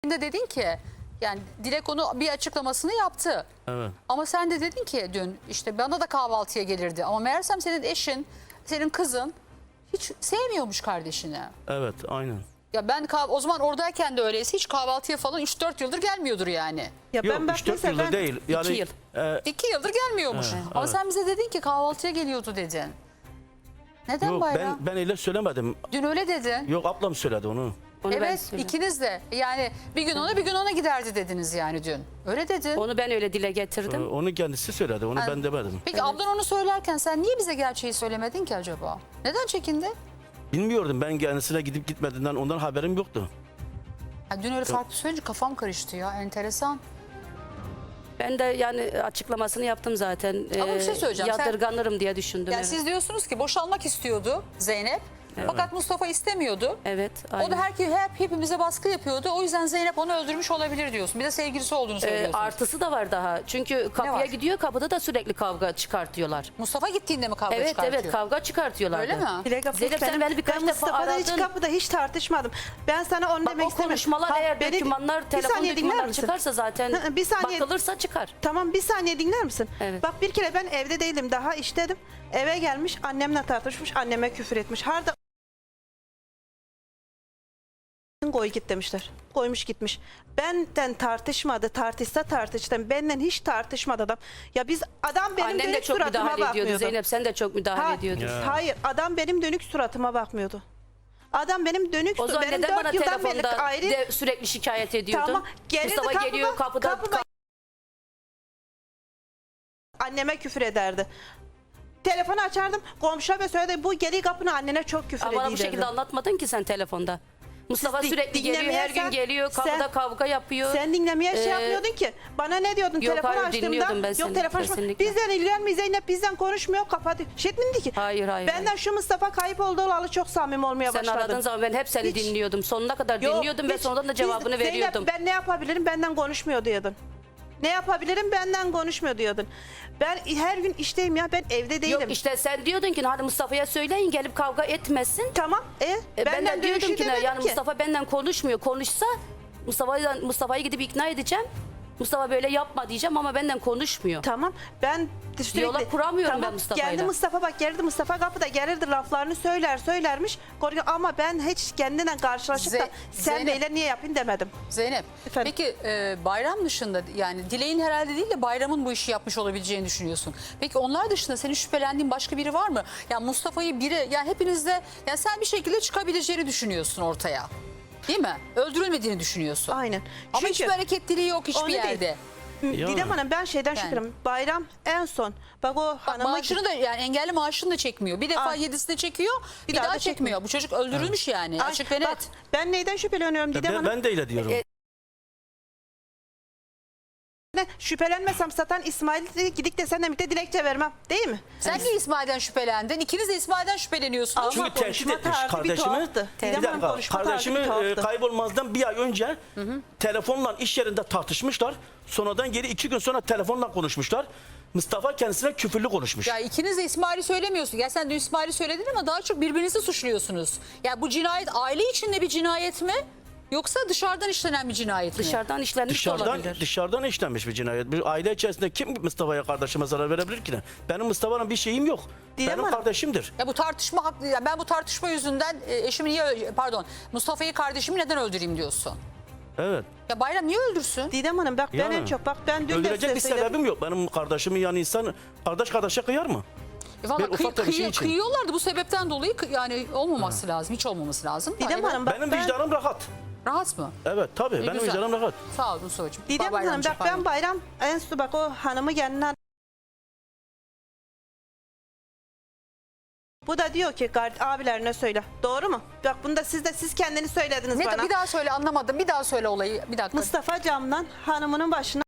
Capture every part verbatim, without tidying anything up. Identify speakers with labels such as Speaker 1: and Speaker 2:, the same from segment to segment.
Speaker 1: de dedin ki yani Dilek onu bir açıklamasını yaptı.
Speaker 2: Evet.
Speaker 1: Ama sen de dedin ki dün işte bana da kahvaltıya gelirdi. Ama meğersem senin eşin, senin kızın hiç sevmiyormuş kardeşini.
Speaker 2: Evet, aynen.
Speaker 1: Ya ben kah- o zaman oradayken de öyleyse hiç kahvaltıya falan üç dört yıldır gelmiyordur yani.
Speaker 3: Ya
Speaker 2: Yok,
Speaker 3: ben bak
Speaker 2: üç dört
Speaker 3: mesela
Speaker 2: yılda
Speaker 3: ben-
Speaker 2: değil. Yani,
Speaker 4: İki yıl.
Speaker 2: e,
Speaker 1: İki yıldır gelmiyormuş.
Speaker 2: Evet,
Speaker 1: Ama
Speaker 2: evet.
Speaker 1: sen bize dedin ki kahvaltıya geliyordu dedin. Neden
Speaker 2: yok
Speaker 1: Bayram?
Speaker 2: ben ben öyle söylemedim.
Speaker 1: Dün öyle dedin.
Speaker 2: Yok, ablam söyledi onu.
Speaker 4: Onu ben
Speaker 1: Evet,
Speaker 4: söyledim.
Speaker 1: ikiniz de yani bir gün ona bir gün ona giderdi dediniz yani dün. Öyle dedin.
Speaker 4: Onu ben öyle dile
Speaker 2: Ee,
Speaker 4: getirdim.
Speaker 2: Onu kendisi söyledi. Onu ben demedim.
Speaker 1: Peki ablan onu söylerken sen niye bize gerçeği söylemedin ki acaba? Neden çekindi?
Speaker 2: Bilmiyordum, ben kendisine gidip gitmediğinden ondan haberim yoktu.
Speaker 1: Ha, dün öyle farklı söyleyince kafam karıştı ya, enteresan.
Speaker 4: Ben de yani açıklamasını yaptım zaten.
Speaker 1: Ama bir şey söyleyeceğim, sen-
Speaker 4: Yadırganırım diye düşündüm.
Speaker 1: Yani
Speaker 4: evet.
Speaker 1: siz diyorsunuz ki boşanmak istiyordu Zeynep. Fakat Mustafa istemiyordu.
Speaker 4: Evet,
Speaker 1: O
Speaker 4: aynen.
Speaker 1: da her, hep hepimize baskı yapıyordu. O yüzden Zeynep onu öldürmüş olabilir diyorsun. Bir de sevgilisi olduğunu
Speaker 4: Ee,
Speaker 1: söylüyorsun.
Speaker 4: artısı da var daha. Çünkü kapıya
Speaker 1: var?
Speaker 4: gidiyor, kapıda da sürekli kavga çıkartıyorlar.
Speaker 1: Mustafa gittiğinde mi kavga
Speaker 4: Evet
Speaker 1: çıkartıyor?
Speaker 4: evet kavga çıkartıyorlardı.
Speaker 1: Öyle mi?
Speaker 3: Dilek abla,
Speaker 4: Zeynep sen
Speaker 3: benim-
Speaker 4: beni birkaç
Speaker 3: ben
Speaker 4: defa
Speaker 3: Mustafa'da hiç
Speaker 4: aradın.
Speaker 3: kapıda hiç tartışmadım. Ben sana onu
Speaker 4: Bak
Speaker 3: demek
Speaker 4: o
Speaker 3: istemiyorum.
Speaker 4: konuşmalar
Speaker 3: Ha,
Speaker 4: eğer
Speaker 3: beni-
Speaker 4: dokümanlar,
Speaker 3: bir
Speaker 4: telefon
Speaker 3: saniye dinler
Speaker 4: dokümanlar
Speaker 3: misin?
Speaker 4: çıkarsa zaten
Speaker 3: Hı, bir saniye-
Speaker 4: bakılırsa çıkar.
Speaker 3: Tamam, bir saniye dinler misin?
Speaker 4: Evet.
Speaker 3: Bak bir kere ben evde değilim, daha iştedim. Eve gelmiş, annemle tartışmış, anneme küfür etmiş. Harda koy git demişler. Koymuş gitmiş. Benden tartışmadı, tartışsa tartıştım. Benden hiç tartışmadı adam. Ya biz adam benim
Speaker 4: Annem de
Speaker 3: dönük
Speaker 4: çok
Speaker 3: suratıma
Speaker 4: müdahale ediyordu.
Speaker 3: bakmıyordu.
Speaker 4: Zeynep sen de çok müdahale
Speaker 3: Ha-
Speaker 4: ediyordun.
Speaker 2: Ya.
Speaker 3: Hayır, adam benim dönük suratıma bakmıyordu. Adam benim dönük
Speaker 4: O zaman
Speaker 3: benim
Speaker 4: neden bana
Speaker 3: dört yıldan beri
Speaker 4: telefonda
Speaker 3: ayrı.
Speaker 4: de sürekli şikayet ediyordun?
Speaker 3: Tamam, gelirdi
Speaker 4: Mustafa
Speaker 3: kapıma-
Speaker 4: geliyor kapıda.
Speaker 3: kapıma- Anneme küfür ederdi. Telefonu açardım, komşuya ve söyledi bu geri kapını annene çok küfür
Speaker 4: Ama
Speaker 3: ediyor.
Speaker 4: bana bu şekilde anlatmadın ki sen telefonda. Mustafa
Speaker 3: Siz
Speaker 4: sürekli geliyor, her gün
Speaker 3: dinlemeyesen-
Speaker 4: geliyor, kapıda
Speaker 3: sen-
Speaker 4: kavga yapıyor.
Speaker 3: Sen dinlemeye şey
Speaker 4: Ee,
Speaker 3: yapmıyordun ki. Bana ne diyordun
Speaker 4: yok,
Speaker 3: telefonu
Speaker 4: hayır,
Speaker 3: açtığımda?
Speaker 4: dinliyordum ben
Speaker 3: Yok
Speaker 4: seni,
Speaker 3: telefon açma.
Speaker 4: kesinlikle.
Speaker 3: Bizden ilgilenmiyor Zeynep, bizden konuşmuyor, kapadı. Şey etmedi ki.
Speaker 4: Hayır, hayır,
Speaker 3: Benden
Speaker 4: hayır.
Speaker 3: şu Mustafa kayıp olduğu olalı çok samimi olmaya
Speaker 4: Sen
Speaker 3: başladım.
Speaker 4: aradığın zaman ben hep seni
Speaker 3: Hiç-
Speaker 4: dinliyordum. Sonuna kadar
Speaker 3: Yok,
Speaker 4: dinliyordum ve
Speaker 3: hiç-
Speaker 4: sonradan da
Speaker 3: biz-
Speaker 4: cevabını
Speaker 3: Zeynep,
Speaker 4: veriyordum.
Speaker 3: ben ne yapabilirim, benden konuşmuyor diyordun. Ne yapabilirim, benden konuşmuyor diyordun. Ben her gün işteyim ya, ben evde değilim.
Speaker 4: Yok işte sen diyordun ki hadi Mustafa'ya söyleyin gelip kavga etmesin.
Speaker 3: Tamam. E,
Speaker 4: E, ben
Speaker 3: benden
Speaker 4: de diyordum
Speaker 3: dönüşü
Speaker 4: ki ne,
Speaker 3: demedim
Speaker 4: yani
Speaker 3: ki.
Speaker 4: Mustafa benden konuşmuyor. Konuşsa Mustafa'yı Mustafa'yı gidip ikna edeceğim. Mustafa böyle yapma diyeceğim ama benden konuşmuyor.
Speaker 3: Tamam, ben sürekli...
Speaker 4: Diyalog kuramıyorum
Speaker 3: tamam,
Speaker 4: ben Mustafa'yla.
Speaker 3: Geldi Mustafa, bak geldi Mustafa kapıda gelirdi, laflarını söyler söylermiş. Korkuyor. Ama ben hiç kendine karşılaşıp da
Speaker 1: Ze-
Speaker 3: sen
Speaker 1: Zeynep-
Speaker 3: neyle niye yapayım demedim.
Speaker 1: Zeynep,
Speaker 3: Efendim?
Speaker 1: peki e, bayram dışında yani Dilek'in herhalde değil de bayramın bu işi yapmış olabileceğini düşünüyorsun. Peki onlar dışında senin şüphelendiğin başka biri var mı? Yani Mustafa'yı biri, yani hepinizde, yani sen bir şekilde çıkabileceğini düşünüyorsun ortaya. Değil mi? Öldürülmediğini düşünüyorsun.
Speaker 3: Aynen.
Speaker 1: Ama hiçbir hareketliliği yok hiçbir
Speaker 3: Onu değil.
Speaker 1: yerde.
Speaker 2: Ya.
Speaker 3: Didem Hanım, ben şeyden
Speaker 1: Yani.
Speaker 3: şüpheliyim. Bayram en son. Bak o
Speaker 1: Bak,
Speaker 3: hanıma...
Speaker 1: maaşını da yani engelli maaşını da çekmiyor. Bir defa
Speaker 3: Aa.
Speaker 1: yedisini çekiyor, bir, daha,
Speaker 3: daha da
Speaker 1: çekmiyor.
Speaker 3: çekmiyor.
Speaker 1: Bu çocuk öldürülmüş yani.
Speaker 3: Ay,
Speaker 1: Açık ve
Speaker 3: bak,
Speaker 1: net.
Speaker 3: ben neyden şüpheleniyorum Didem
Speaker 2: Ben,
Speaker 3: Hanım?
Speaker 2: ben de öyle diyorum.
Speaker 4: E,
Speaker 3: Ne, şüphelenmesem satan İsmail'e gidik de seninle birlikte dilekçe vermem. Değil mi?
Speaker 1: Sen niye İsmail'den şüphelendin? İkiniz de İsmail'den şüpheleniyorsunuz.
Speaker 3: Ama
Speaker 2: Çünkü tehdit
Speaker 3: konuşma
Speaker 2: etmiş
Speaker 3: tarzı bir
Speaker 2: kardeşimi.
Speaker 3: tuhaftı.
Speaker 2: Bir
Speaker 3: Didem Hanım,
Speaker 2: dakika,
Speaker 3: konuşma tarzı
Speaker 2: kardeşimi
Speaker 3: bir
Speaker 2: e,
Speaker 3: tuhaftı.
Speaker 2: kaybolmazdan bir ay önce telefonla iş yerinde tartışmışlar. Sonradan geri iki gün sonra telefonla konuşmuşlar. Mustafa kendisine küfürlü konuşmuş.
Speaker 1: Ya ikiniz de İsmail'i söylemiyorsun. Ya sen de İsmail'i söyledin ama daha çok birbirinizi suçluyorsunuz. Ya bu cinayet aile içinde bir cinayet mi? Yoksa dışarıdan işlenen bir cinayet mi?
Speaker 4: dışarıdan işlenmiş de
Speaker 2: Dışarıdan
Speaker 4: olabilir.
Speaker 2: dışarıdan işlenmiş bir cinayet. Bir aile içerisinde kim Mustafa'ya, kardeşime zarar verebilir ki ne? Benim Mustafa'nın bir şeyim yok.
Speaker 3: Didem
Speaker 2: Benim
Speaker 3: Hanım.
Speaker 2: kardeşimdir.
Speaker 1: Ya bu tartışma haklı. Ya ben bu tartışma yüzünden e, eşimi niye, pardon, Mustafa'yı, kardeşimi neden öldüreyim diyorsun?
Speaker 2: Evet.
Speaker 1: Ya Bayram niye öldürsün?
Speaker 3: Didem Hanım, bak ben
Speaker 2: Yani.
Speaker 3: en çok, bak ben dün de
Speaker 2: Öldürecek
Speaker 3: size
Speaker 2: bir
Speaker 3: söyledim.
Speaker 2: sebebim yok. Benim kardeşimi, yani insan kardeş kardeşe kıyar mı?
Speaker 1: E Valla
Speaker 2: Bir
Speaker 1: kıy,
Speaker 2: ufak da bir şey
Speaker 1: kıy-
Speaker 2: için.
Speaker 1: kıyıyorlardı bu sebepten dolayı, kı- yani olmaması lazım. Hiç olmaması lazım.
Speaker 3: Didem
Speaker 1: Evet.
Speaker 3: Hanım, bak
Speaker 2: Benim
Speaker 3: ben...
Speaker 2: vicdanım rahat.
Speaker 1: Rahat mı?
Speaker 2: Evet tabii,
Speaker 1: E,
Speaker 2: benim
Speaker 1: güzel.
Speaker 2: vicdanım rahat.
Speaker 1: Sağ ol Mustafa'cığım.
Speaker 3: Didem Hanım,
Speaker 1: Bayramcığım,
Speaker 3: bak ben
Speaker 1: pardon.
Speaker 3: bayram en son, bak o hanımı kendine... Bu da diyor ki gard- abilerine söyle. Doğru mu? Bak bunu da siz de siz kendiniz söylediniz
Speaker 1: Ne,
Speaker 3: bana.
Speaker 1: bir daha söyle, anlamadım. Bir daha söyle olayı. Bir dakika.
Speaker 3: Mustafa camdan hanımının başına...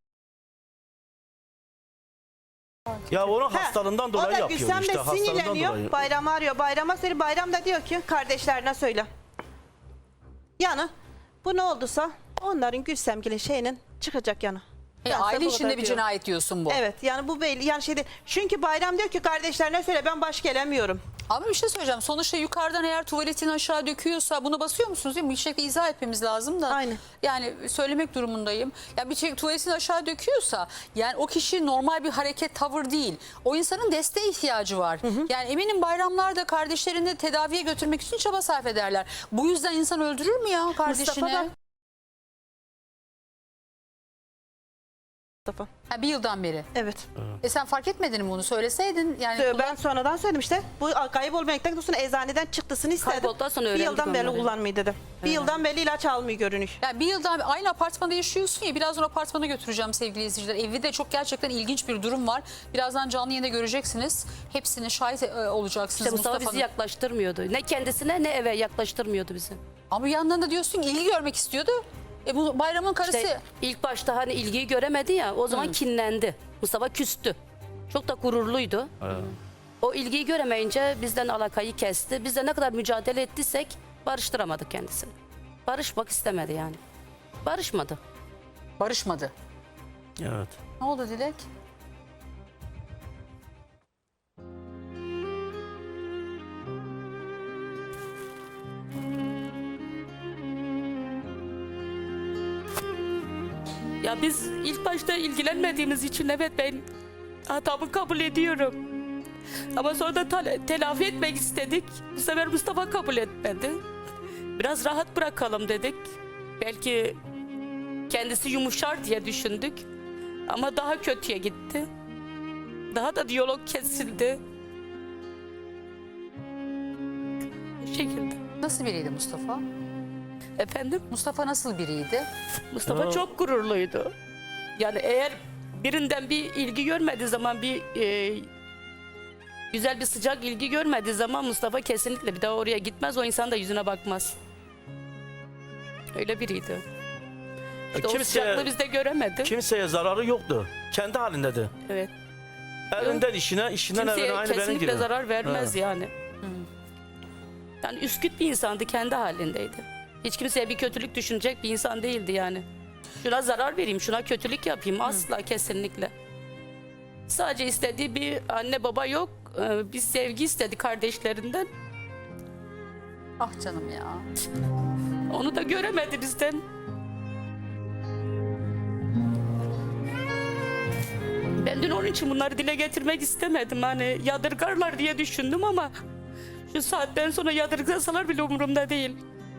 Speaker 2: Ya onun
Speaker 3: He,
Speaker 2: hastalığından dolayı
Speaker 3: o da
Speaker 2: yapıyor
Speaker 3: Gülsem
Speaker 2: işte.
Speaker 3: de
Speaker 2: Hastalığından
Speaker 3: sinirleniyor.
Speaker 2: dolayı.
Speaker 3: Bayram'ı arıyor. Bayram'a söyle. Bayram da diyor ki kardeşlerine söyle. Yani bu ne olduysa onların Gülsemgil'in şeyinin çıkacak yanı.
Speaker 1: E,
Speaker 3: Ben size
Speaker 1: aile
Speaker 3: bu
Speaker 1: içinde
Speaker 3: kadar
Speaker 1: bir
Speaker 3: diyorum.
Speaker 1: cinayet diyorsun bu.
Speaker 3: Evet, yani bu belli, yani şeyde, çünkü Bayram diyor ki kardeşlerine söyle, ben baş gelemiyorum.
Speaker 1: Ama bir şey söyleyeceğim. Sonuçta yukarıdan eğer tuvaletin aşağı döküyorsa bunu basıyor musunuz değil mi? Bir şekilde izah etmemiz lazım da.
Speaker 3: Aynen. Yani
Speaker 1: söylemek durumundayım. Ya bir şey tuvaletin aşağı döküyorsa yani o kişi normal bir hareket, tavır değil. O insanın desteğe ihtiyacı var. Yani eminim bayramlarda kardeşlerini tedaviye götürmek için çaba sarf ederler. Bu yüzden insan öldürür mü ya kardeşini?
Speaker 3: Mustafa da- Mustafa.
Speaker 1: Ha, bir yıldan beri.
Speaker 3: Evet.
Speaker 1: E sen fark etmedin mi bunu? Söyleseydin. Yani
Speaker 3: Ben sonradan söyledim işte. Bu kaybolmayacaktan sonra eczaneden çıktısını istedim.
Speaker 4: Kaybolduktan sonra
Speaker 3: Bir
Speaker 4: öğrendik
Speaker 3: yıldan beri
Speaker 4: onları.
Speaker 3: kullanmayı dedim. Bir yıldan beri ilaç almıyor görünüş.
Speaker 1: Yani bir yıldan aynı apartmanda yaşıyorsun ya, birazdan apartmana götüreceğim sevgili izleyiciler. Evde çok gerçekten ilginç bir durum var. Birazdan canlı yayında göreceksiniz. Hepsine şahit e, olacaksınız
Speaker 4: İşte Mustafa bizi
Speaker 1: Mustafa'nın.
Speaker 4: yaklaştırmıyordu. Ne kendisine ne eve yaklaştırmıyordu bizi.
Speaker 1: Ama bir yandan da diyorsun ki ilgi görmek istiyordu. E bu bayramın karısı.
Speaker 4: İşte ilk başta hani ilgiyi göremedi ya, o zaman kinlendi. Mustafa küstü. Çok da gururluydu. O ilgiyi göremeyince bizden alakayı kesti. Biz de ne kadar mücadele ettiysek barıştıramadık kendisini. Barışmak istemedi yani. Barışmadı.
Speaker 1: Barışmadı.
Speaker 2: Evet.
Speaker 1: Ne oldu Dilek?
Speaker 4: Ya biz ilk başta ilgilenmediğimiz için evet ben hatamı kabul ediyorum. Ama sonra da tele- telafi etmek istedik. Bu sefer Mustafa kabul etmedi. Biraz rahat bırakalım dedik. Belki kendisi yumuşar diye düşündük. Ama daha kötüye gitti. Daha da diyalog kesildi. Bu şekilde.
Speaker 1: Nasıl biriydi Mustafa?
Speaker 4: Efendim?
Speaker 1: Mustafa nasıl biriydi?
Speaker 4: Mustafa
Speaker 2: Aa.
Speaker 4: çok gururluydu. Yani eğer birinden bir ilgi görmediği zaman, bir e, güzel bir sıcak ilgi görmediği zaman Mustafa kesinlikle bir daha oraya gitmez. O insan da yüzüne bakmaz. Öyle biriydi. İşte o
Speaker 2: Kimse-
Speaker 4: sıcaklığı biz de göremedik.
Speaker 2: Kimseye zararı yoktu. Kendi halindeydi.
Speaker 4: Evet.
Speaker 2: Elinden işine, işinden
Speaker 4: Kimseye
Speaker 2: evine aynı benim
Speaker 4: kesinlikle
Speaker 2: gibi.
Speaker 4: zarar vermez
Speaker 2: Ha.
Speaker 4: yani. Yani üsküt bir insandı, kendi halindeydi. Hiç kimseye bir kötülük düşünecek bir insan değildi yani. Şuna zarar vereyim, şuna kötülük yapayım, asla, kesinlikle. Sadece istediği bir anne baba yok, ee, bir sevgi istedi kardeşlerinden.
Speaker 1: Ah canım ya.
Speaker 4: Onu da göremedi bizden. Ben dün onun için bunları dile getirmek istemedim. Hani yadırgarlar diye düşündüm ama şu saatten sonra yadırgasalar bile umurumda değil.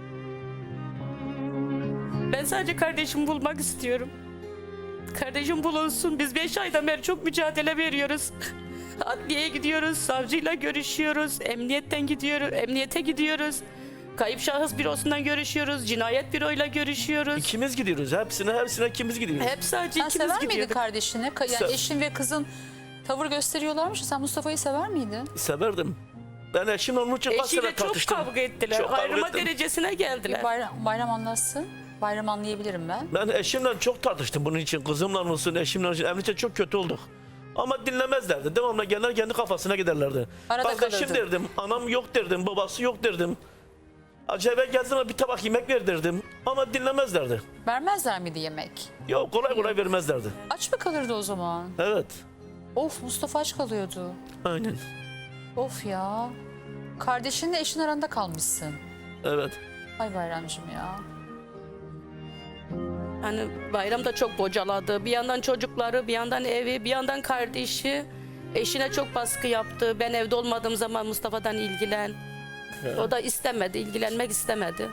Speaker 4: Ben sadece kardeşimi bulmak istiyorum. Kardeşim bulunsun. Biz beş aydan beri çok mücadele veriyoruz. Adliyeye gidiyoruz, savcıyla görüşüyoruz, emniyetten gidiyoruz, emniyete gidiyoruz. Kayıp şahıs bürosundan görüşüyoruz, cinayet büroyla görüşüyoruz.
Speaker 2: İkimiz gidiyoruz. Hepsine hepsine ikimiz gidiyoruz.
Speaker 4: Hep sadece
Speaker 1: Sen
Speaker 4: ikimiz
Speaker 1: sever miydin
Speaker 4: gidiyorduk.
Speaker 1: kardeşini? Ka- Yani
Speaker 2: Se-
Speaker 1: eşin ve kızın tavır gösteriyorlarmış. Sen Mustafa'yı sever miydin?
Speaker 2: Severdim. Ben eşimle onun için kaç
Speaker 4: Eşiyle
Speaker 2: sene
Speaker 4: çok
Speaker 2: tartıştım.
Speaker 4: kavga ettiler.
Speaker 2: Çok kavga
Speaker 4: Ayrıma
Speaker 2: ettim.
Speaker 4: derecesine geldiler.
Speaker 1: Bayram, bayram anlatsın. Bayram anlayabilirim ben.
Speaker 2: Ben eşimle çok tartıştım bunun için. Kızımla olsun, eşimle olsun. Emnilikte çok kötü olduk. Ama dinlemezlerdi. Devamlı gelir kendi kafasına giderlerdi.
Speaker 1: Arada
Speaker 2: Kardeşim
Speaker 1: kalırdı.
Speaker 2: derdim, anam yok derdim, babası yok derdim. Acaba geldiğinde bir tabak yemek ver derdim. Ama dinlemezlerdi.
Speaker 1: Vermezler miydi yemek?
Speaker 2: Yok kolay kolay vermezlerdi.
Speaker 1: Aç mı kalırdı o zaman?
Speaker 2: Evet.
Speaker 1: Of, Mustafa aç kalıyordu.
Speaker 2: Aynen.
Speaker 1: Of ya. Kardeşinle eşin aranda kalmışsın.
Speaker 2: Evet.
Speaker 1: Ay Bayramcığım ya.
Speaker 4: Hani bayram da çok bocaladı. Bir yandan çocukları, bir yandan evi, bir yandan kardeşi. Eşine çok baskı yaptı. Ben evde olmadığım zaman Mustafa'dan ilgilen. O da istemedi, ilgilenmek istemedi.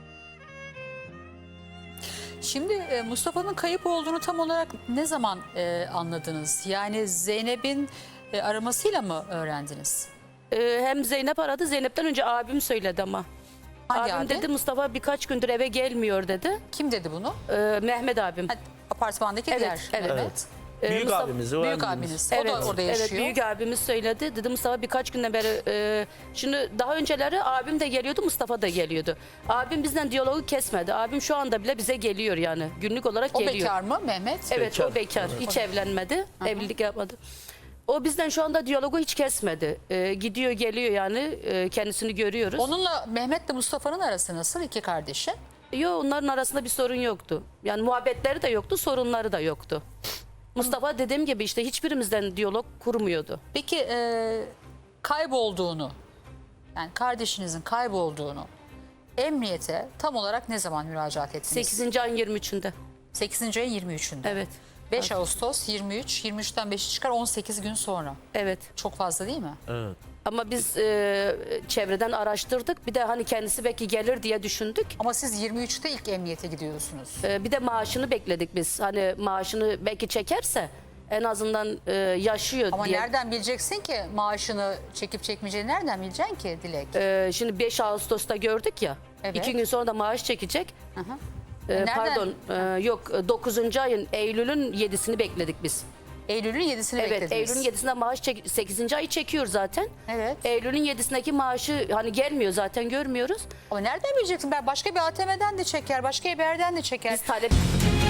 Speaker 1: Şimdi e, Mustafa'nın kayıp olduğunu tam olarak ne zaman e, anladınız? Yani Zeynep'in e, aramasıyla mı öğrendiniz?
Speaker 4: Ee, hem Zeynep aradı, Zeynep'ten önce abim söyledi ama.
Speaker 1: Hangi
Speaker 4: abim
Speaker 1: abi?
Speaker 4: dedi Mustafa birkaç gündür eve gelmiyor dedi.
Speaker 1: Kim dedi bunu?
Speaker 4: Ee, Mehmet abim.
Speaker 1: Ha, apartmandaki
Speaker 4: Evet,
Speaker 1: diğer
Speaker 4: evet.
Speaker 1: Mehmet.
Speaker 4: Ee,
Speaker 2: Büyük
Speaker 4: Mustafa-
Speaker 2: abimiz, o
Speaker 1: Büyük
Speaker 2: abimiz.
Speaker 1: abiniz. O da orada yaşıyor.
Speaker 4: Evet, büyük abimiz söyledi. Dedi Mustafa birkaç günden beri e, şimdi daha önceleri abim de geliyordu, Mustafa da geliyordu. Abim bizden diyalogu kesmedi. Abim şu anda bile bize geliyor yani. Günlük olarak
Speaker 1: O
Speaker 4: geliyor.
Speaker 1: bekar mı Mehmet?
Speaker 4: Evet,
Speaker 2: Bekar.
Speaker 4: o bekar. Hiç evlenmedi. Evlilik yapmadı. O bizden şu anda diyalogu hiç kesmedi. E, gidiyor geliyor yani, e, kendisini görüyoruz.
Speaker 1: Onunla Mehmet'le Mustafa'nın arası nasıl, iki kardeşi?
Speaker 4: Yok, onların arasında bir sorun yoktu. Yani muhabbetleri de yoktu, sorunları da yoktu. Mustafa dediğim gibi işte hiçbirimizden diyalog kurmuyordu.
Speaker 1: Peki e, kaybolduğunu yani kardeşinizin kaybolduğunu emniyete tam olarak ne zaman müracaat ettiniz?
Speaker 4: sekizinci ayın yirmi üçünde.
Speaker 1: sekizinci ayın yirmi üçünde.
Speaker 4: Evet.
Speaker 1: beş Ağustos yirmi üç, yirmi üçten beşi çıkar on sekiz gün sonra.
Speaker 4: Evet.
Speaker 1: Çok fazla değil mi?
Speaker 2: Evet.
Speaker 4: Ama biz e, çevreden araştırdık. Bir de hani kendisi belki gelir diye düşündük.
Speaker 1: Ama siz yirmi üçte ilk emniyete gidiyorsunuz.
Speaker 4: E, bir de maaşını bekledik biz. Hani maaşını belki çekerse en azından e, yaşıyor
Speaker 1: Ama
Speaker 4: diye.
Speaker 1: nereden bileceksin ki maaşını çekip çekmeyeceğini nereden bileceksin ki Dilek?
Speaker 4: E, şimdi beş Ağustos'ta gördük ya.
Speaker 1: Evet.
Speaker 4: İki gün sonra da maaş çekecek.
Speaker 1: Hı hı.
Speaker 4: E,
Speaker 1: Nereden?
Speaker 4: pardon e, yok dokuzuncu ayın Eylül'ün yedisini bekledik biz.
Speaker 1: Eylül'ün yedisini
Speaker 4: Evet,
Speaker 1: beklediniz.
Speaker 4: Eylül'ün yedisinde maaş çek, sekizinci ayı çekiyor zaten.
Speaker 1: Evet.
Speaker 4: Eylül'ün yedisindeki maaşı hani gelmiyor zaten, görmüyoruz.
Speaker 1: Ama nereden bileceksin? Ben başka bir A T M'den de çeker, başka bir yerden de çeker.
Speaker 4: Biz talep